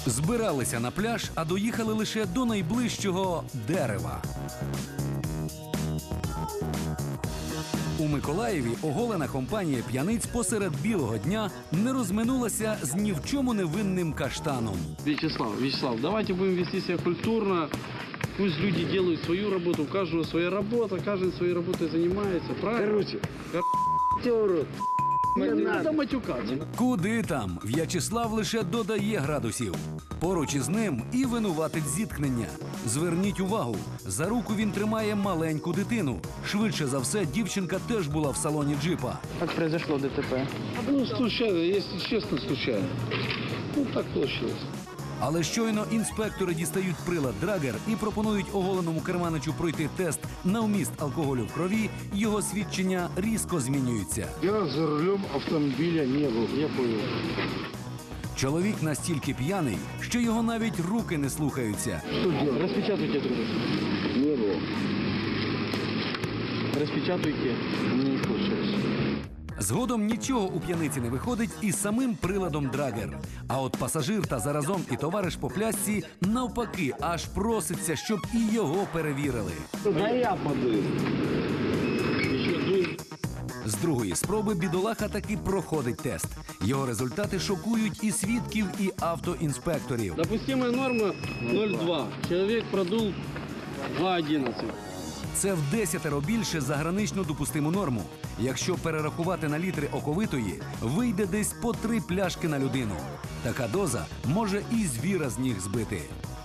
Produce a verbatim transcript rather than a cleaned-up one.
Збиралися на пляж, а доїхали лише до найближчого дерева. У Миколаєві оголена компанія п'яниць посеред білого дня не розминулася з ні в чому невинним каштаном. Вячеслав, Вячеслав, давайте будем вести себя культурно. Пусть люди делают свою работу, у каждого своя работа, каждый своей работой занимается, правильно? Короче, Кор... Не надо матюкаться. Куди там? В'ячеслав лише додає градусів. Поруч із ним і винуватець зіткнення. Зверніть увагу, за руку він тримає маленьку дитину. Швидше за все, дівчинка теж була в салоні джипа. Как произошло ДТП? Ну, случайно, если честно, случайно. Ну, так получилось. Але щойно інспектори дістають прилад Драгер і пропонують оголеному керманичу пройти тест на вміст алкоголю в крові, його свідчення різко змінюються. я за рулем автомобиля не был, я понял. Чоловік настільки п'яний, що його навіть руки не слухаються. Что делать? Распечатайте, друг. Не было. Распечатайте. Не получилось. Згодом нічого у п'яниці не виходить із самим приладом Драгер. А от пасажир та заразом і товариш по плясці навпаки аж проситься, щоб і його перевірили. Да я подаю. З другої спроби бідолаха таки проходить тест. Його результати шокують і свідків, і автоінспекторів. Допустимая норма ноль два. Человек продул два одиннадцать. Це в десятеро більше за граничну допустиму норму. Якщо перерахувати на літри оковитої, вийде десь по три пляшки на людину. Така доза може і звіра з ніг збити.